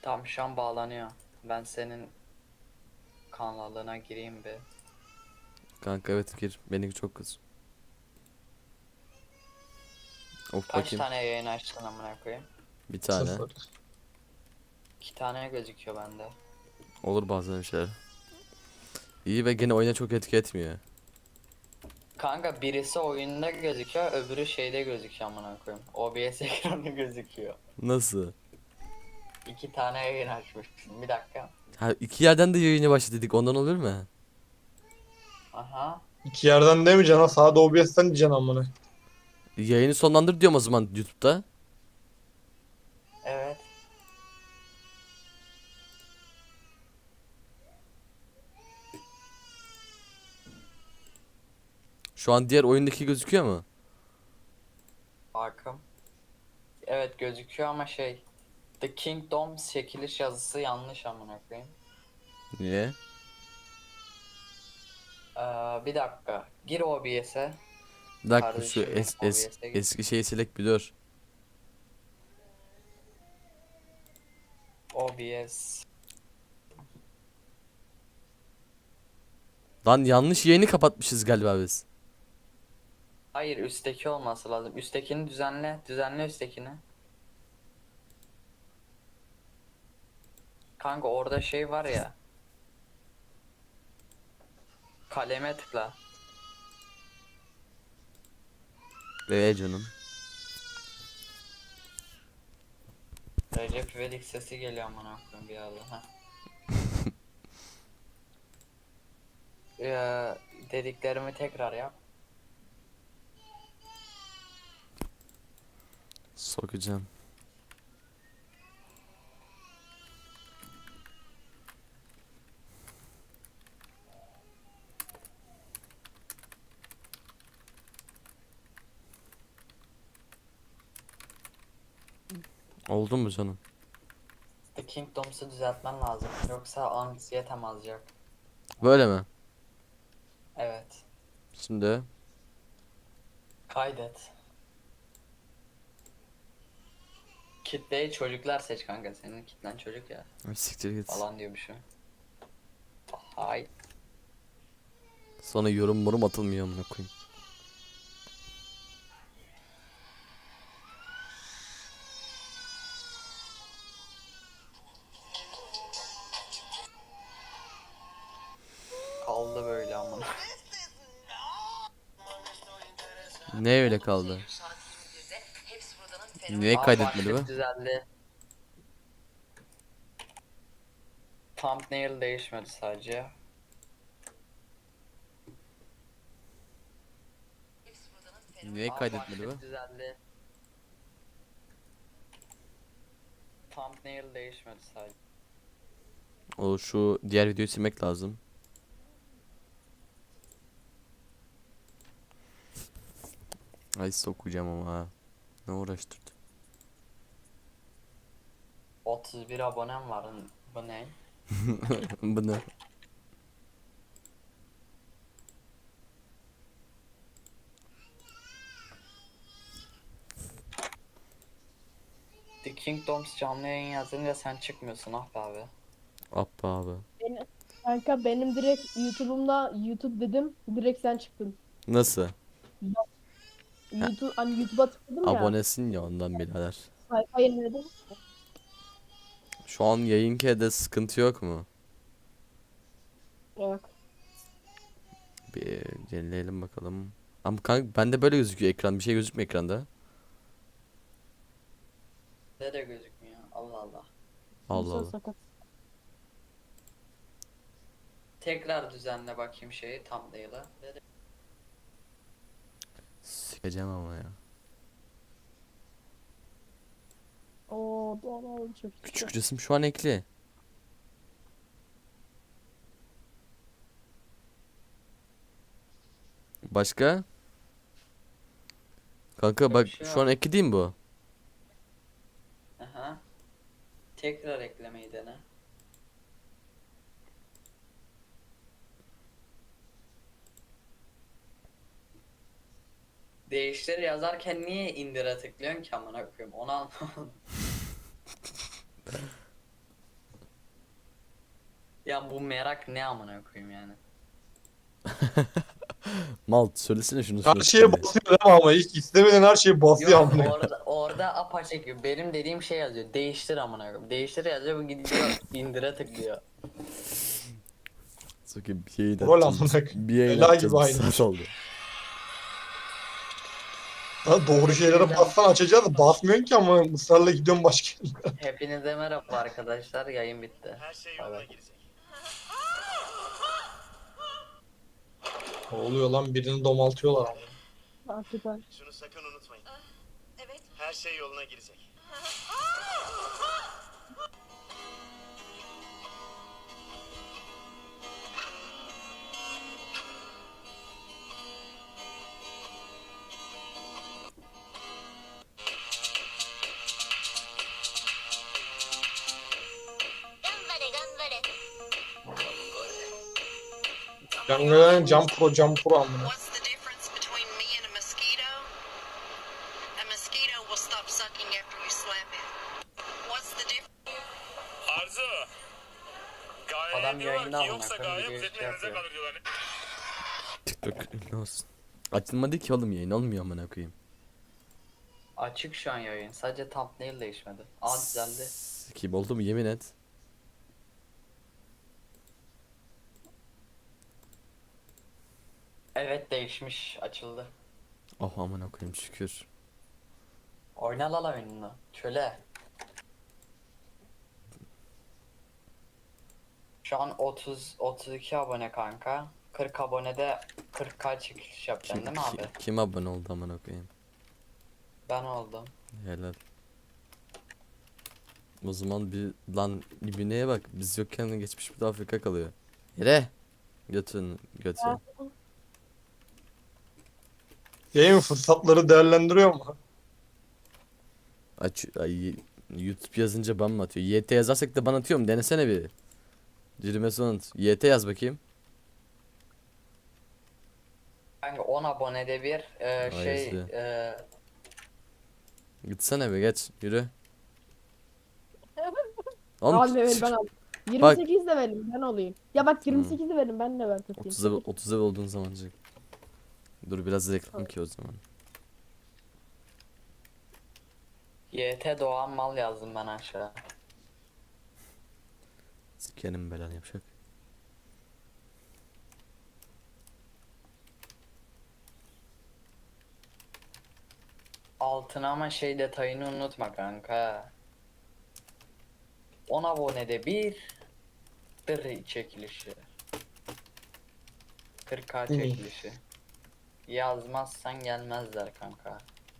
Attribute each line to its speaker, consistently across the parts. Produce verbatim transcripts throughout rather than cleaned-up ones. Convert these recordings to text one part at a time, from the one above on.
Speaker 1: Tam şu an bağlanıyor. Ben senin kanalına gireyim bir.
Speaker 2: Kanka evet gir. Benimki çok kız. Of
Speaker 1: Kaç
Speaker 2: bakayım.
Speaker 1: tane yayın açtın amına koyayım?
Speaker 2: Bir tane.
Speaker 3: Sıfır.
Speaker 1: İki tane gözüküyor bende.
Speaker 2: Olur bazen bir şeyler. İyi ve gene oyuna çok etki etmiyor.
Speaker 1: Kanka birisi oyunda gözüküyor, öbürü şeyde gözüküyor amına koyayım. O B S ekranı gözüküyor.
Speaker 2: Nasıl?
Speaker 1: İki tane yayın açmışsın. Bir dakika.
Speaker 2: Ha iki yerden de yayını başladı dedik. Ondan olur mu?
Speaker 1: Aha.
Speaker 3: İki yerden demeyeceksin ha. Sağda O B S'ten diyeceksin amına.
Speaker 2: Yayını sonlandır diyorum o zaman YouTube'da.
Speaker 1: Evet.
Speaker 2: Şu an diğer oyundaki gözüküyor mu?
Speaker 1: Bakım. Evet gözüküyor ama şey. The Kingdom çekiliş yazısı yanlış amına koyayım.
Speaker 2: Niye?
Speaker 1: Ee, bir dakika. Gir O B S'e.
Speaker 2: Bir dakika şu
Speaker 1: Kardeşim benim
Speaker 2: es, es,
Speaker 1: O B S'e gir.
Speaker 2: eski şeyi silek bir dur.
Speaker 1: O B S.
Speaker 2: Lan yanlış yayını kapatmışız galiba biz.
Speaker 1: Hayır üstteki olması lazım. Üsttekini düzenle. Düzenle üsttekini. Kanka orada şey var ya. Kaleme tıkla.
Speaker 2: Ee canım.
Speaker 1: Recep İvedik sesi geliyor amına koyayım bir yerden. Ha. Ee, dediklerimi tekrar yap.
Speaker 2: Sokacağım. Oldu mu canım?
Speaker 1: The Kingdoms'u düzeltmen lazım. Yoksa anksiyetem azacak.
Speaker 2: Böyle mi?
Speaker 1: Evet.
Speaker 2: Şimdi
Speaker 1: Kaydet. Kitleyi çocuklar seç kanka. Senin kitlen çocuk ya.
Speaker 2: Ay, siktir git.
Speaker 1: Falan diyor bir şey. Hay.
Speaker 2: Sonra yorum morum atılmıyor amına koyayım.
Speaker 1: Kaldı böyle amına.
Speaker 2: Ne öyle kaldı? Niye
Speaker 1: Aa,
Speaker 2: kaydetmedi
Speaker 1: başlık
Speaker 2: bu?
Speaker 1: düzeldi. Thumbnail değişmedi sadece.
Speaker 2: Niye
Speaker 1: Aa,
Speaker 2: kaydetmedi bu?
Speaker 1: başlık düzeldi. Thumbnail değişmedi sadece.
Speaker 2: O şu diğer videoyu silmek lazım. Ay sokacağım ama ha. Ne uğraştırdı?
Speaker 1: otuz bir abonem var. Bu ne?
Speaker 2: Bu ne?
Speaker 1: The Kingdoms canlı yayın yazınca sen çıkmıyorsun ah be abi.
Speaker 2: Appa abi.
Speaker 4: Benim, kanka benim direkt YouTube'umda YouTube dedim. Direkt sen çıktın.
Speaker 2: Nasıl?
Speaker 4: YouTube hani YouTube'a tıkladım ya.
Speaker 2: Abonesin ya ondan birader.
Speaker 4: Sayfa yeniledim.
Speaker 2: Şu an yayınkede sıkıntı yok mu?
Speaker 4: Yok.
Speaker 2: Bir yenileyelim bakalım. Ama kanka bende böyle gözüküyor ekran. Bir şey gözükmüyor ekranda.
Speaker 1: Ne de gözükmüyor. Allah Allah.
Speaker 2: Allah
Speaker 4: İnsan
Speaker 2: Allah.
Speaker 4: sakat.
Speaker 1: Tekrar düzenle bakayım şeyi thumbnail'ı. Ne de-
Speaker 2: Sikeceğim ama ya.
Speaker 4: Oo doğal oldu çok iyi.
Speaker 2: Küçük resim şu an ekli. Başka? Kanka
Speaker 1: Başka
Speaker 2: bak
Speaker 1: bir şey
Speaker 2: şu an
Speaker 1: yok.
Speaker 2: ekli değil mi bu?
Speaker 1: Aha. Tekrar eklemeyi dene. Değiştir yazarken niye indire tıklıyorsun ki amına koyayım onu anlamadım. Ya bu merak ne amına koyayım yani.
Speaker 2: Mal söylesene şunu
Speaker 3: Her şeye
Speaker 2: sürekli.
Speaker 3: basıyor değil mi ama ilk istemeden her şeyi basıyor
Speaker 1: Yok
Speaker 3: amına.
Speaker 1: orada orada apaçık benim dediğim şey yazıyor. Değiştir amına koyayım. Değiştir yazıyor bu gidiyor indire tıklıyor.
Speaker 2: Sokayım bir yayın
Speaker 3: Rol
Speaker 2: atacağız.
Speaker 3: amına
Speaker 2: biz.
Speaker 3: koyayım.
Speaker 2: Bir yayın
Speaker 3: Ela
Speaker 2: atacağız.
Speaker 3: gibi
Speaker 2: Bir
Speaker 3: aynı.
Speaker 2: saat oldu.
Speaker 3: Ha, doğru şeylere bassan açacağız da basmıyorsun ki ama ısrarla gidiyorsun başka yerlere.
Speaker 1: Hepinize merhaba arkadaşlar. Yayın bitti.
Speaker 5: Her şey
Speaker 1: Bay
Speaker 5: yoluna
Speaker 1: bay.
Speaker 5: girecek.
Speaker 3: Ne oluyor lan birini domaltıyorlar ama.
Speaker 4: Hakikaten.
Speaker 5: Şunu sakın unutmayın.
Speaker 6: Evet.
Speaker 5: Her şey yoluna girecek.
Speaker 3: Yangelen cam pro cam pro amına.
Speaker 6: What's the difference between me and a mosquito? A mosquito will stop sucking after you slap it. What's the difference?
Speaker 7: Arzu. Gaye
Speaker 1: Adam
Speaker 7: diyorlar
Speaker 1: yayında
Speaker 7: ki
Speaker 1: amına
Speaker 7: yoksa
Speaker 1: koyayım,
Speaker 7: gaye
Speaker 1: video
Speaker 7: hep
Speaker 1: şey
Speaker 7: elinize
Speaker 1: yapıyor.
Speaker 7: kalır diyorlar.
Speaker 2: TikTok ne olsun. Açılmadı ki oğlum yayın olmuyor amına koyayım.
Speaker 1: Açık şu an yayın. Sadece thumbnail değişmedi. Aa düzeldi.
Speaker 2: Kim oldu mu yemin et.
Speaker 1: Evet değişmiş. Açıldı.
Speaker 2: Oh amına koyayım şükür.
Speaker 1: Oyna la la oyununu. Çöle. Şu an otuz otuz iki abone kanka. kırk abonede kırk k çekiliş yapacaksın
Speaker 2: Kim,
Speaker 1: değil mi
Speaker 2: ki-
Speaker 1: abi?
Speaker 2: kim abone oldu amına koyayım.
Speaker 1: Ben oldum.
Speaker 2: Helal. O zaman bir lan ibineye bak biz yokken geçmiş bir de Afrika kalıyor. Yere. Götün götü.
Speaker 4: Ha.
Speaker 3: Yayın fırsatları değerlendiriyor mu?
Speaker 2: Aç ay, YouTube yazınca ban mı atıyor? Y T yazarsak da ban atıyor mu? Denesene bir. Cirime sonut. Y T yaz bakayım.
Speaker 1: Kanka on abonede bir e,
Speaker 2: Vay
Speaker 1: şey
Speaker 2: izle.
Speaker 1: e,
Speaker 2: Gitsene be geç yürü. Oğlum,
Speaker 4: Al level ben al.
Speaker 2: Bak.
Speaker 4: yirmi sekiz levelim ben olayım. Ya bak yirmi sekiz levelim ben level tutayım.
Speaker 2: otuz level, otuz level olduğun zaman çık. Dur biraz reklam ki o zaman.
Speaker 1: Y T Doğan mal yazdım ben aşağı.
Speaker 2: Sikerim belanı yapacak.
Speaker 1: Altına ama şey detayını unutma kanka. on abonede bir dır çekilişi. kırk k
Speaker 3: Hmm.
Speaker 1: çekilişi. Yazmazsan gelmezler kanka.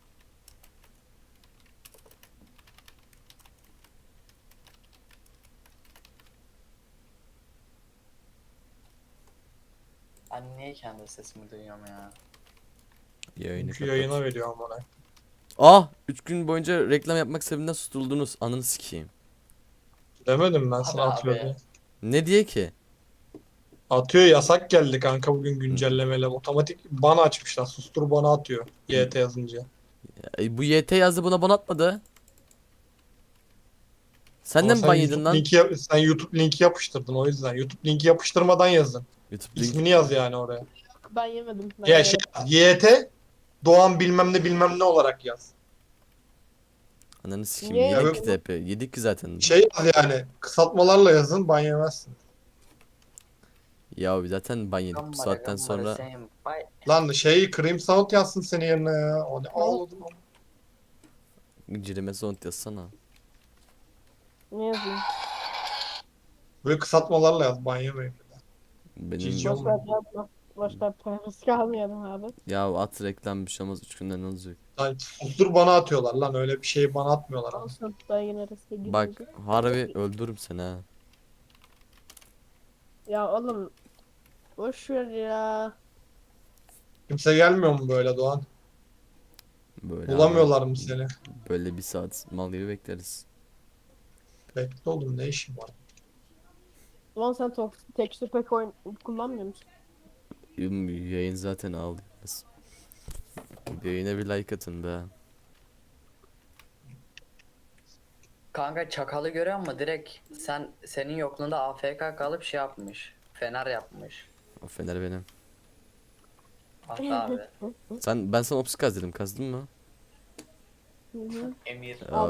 Speaker 1: Ben niye kendi sesimi duyuyorum ya?
Speaker 2: Yayını
Speaker 3: Çünkü
Speaker 2: kapat.
Speaker 3: yayına veriyor amına.
Speaker 2: Ah! üç gün boyunca reklam yapmak sebebinden susturuldunuz. Ananı sikeyim.
Speaker 3: Demedim ben sana
Speaker 1: Abi,
Speaker 3: atıyor
Speaker 1: abi.
Speaker 3: diye.
Speaker 2: Ne diye ki?
Speaker 3: Atıyor yasak geldi kanka bugün güncellemeyle. Otomatik bana açmışlar. Sustur bana atıyor. Y T yazınca.
Speaker 2: E, bu Y T yazdı buna ban atmadı. Sen
Speaker 3: Ama
Speaker 2: de mi
Speaker 3: sen
Speaker 2: ban
Speaker 3: YouTube
Speaker 2: yedin lan?
Speaker 3: linki yap- sen YouTube linki yapıştırdın o yüzden. YouTube linki yapıştırmadan yazdın.
Speaker 2: YouTube link.
Speaker 3: İsmini yaz yani oraya.
Speaker 4: Ben yemedim. Ben
Speaker 3: Ya
Speaker 4: yemedim.
Speaker 3: şey Y T Doğan bilmem ne bilmem ne olarak yaz.
Speaker 2: Ananı sikeyim.
Speaker 4: Niye
Speaker 2: Yedik
Speaker 3: yedin?
Speaker 2: ki de hep. Yedik ki zaten.
Speaker 3: Şey yaz yani kısaltmalarla yazın ban yemezsin.
Speaker 2: Ya zaten ban yedik bu
Speaker 1: Gambara,
Speaker 2: saatten
Speaker 1: gambara,
Speaker 2: sonra.
Speaker 1: sen- Bay-
Speaker 3: Lan şey Cream Sound yazsın senin yerine ya. O ne ağladım ama.
Speaker 2: Cirime zont yazsana.
Speaker 4: Ne yazayım?
Speaker 3: Böyle kısaltmalarla yaz ban yemeyin.
Speaker 2: Benim
Speaker 3: Cici
Speaker 4: Boş ver yapma. Boş ver parası kalmayalım abi.
Speaker 2: ya at reklam bir şey olmaz üç günden ne olacak?
Speaker 3: Lan sustur bana atıyorlar lan öyle bir şeyi bana atmıyorlar ama.
Speaker 4: Olsun ben yine riske
Speaker 2: Bak
Speaker 4: girmeyeceğim.
Speaker 2: harbi öldürürüm seni ha.
Speaker 4: Ya oğlum. Boş ver ya.
Speaker 3: Kimse gelmiyor mu böyle Doğan?
Speaker 2: Böyle
Speaker 3: Bulamıyorlar
Speaker 2: abi,
Speaker 3: mı seni?
Speaker 2: böyle bir saat mal gibi bekleriz.
Speaker 3: Bekle oğlum ne işin var?
Speaker 4: Ulan sen to- texture pack oyun kullanmıyor musun?
Speaker 2: Yum, Yayın zaten ağlıyoruz. Yayına bir like atın be.
Speaker 1: Kanka çakalı görüyor musun? Direkt sen senin yokluğunda A F K kalıp şey yapmış. Fener yapmış.
Speaker 2: O fener benim.
Speaker 1: Hatta abi.
Speaker 2: Sen ben sana opsi kaz dedim. Kazdın mı?
Speaker 4: Hı hı.
Speaker 1: Emir.
Speaker 2: Ya,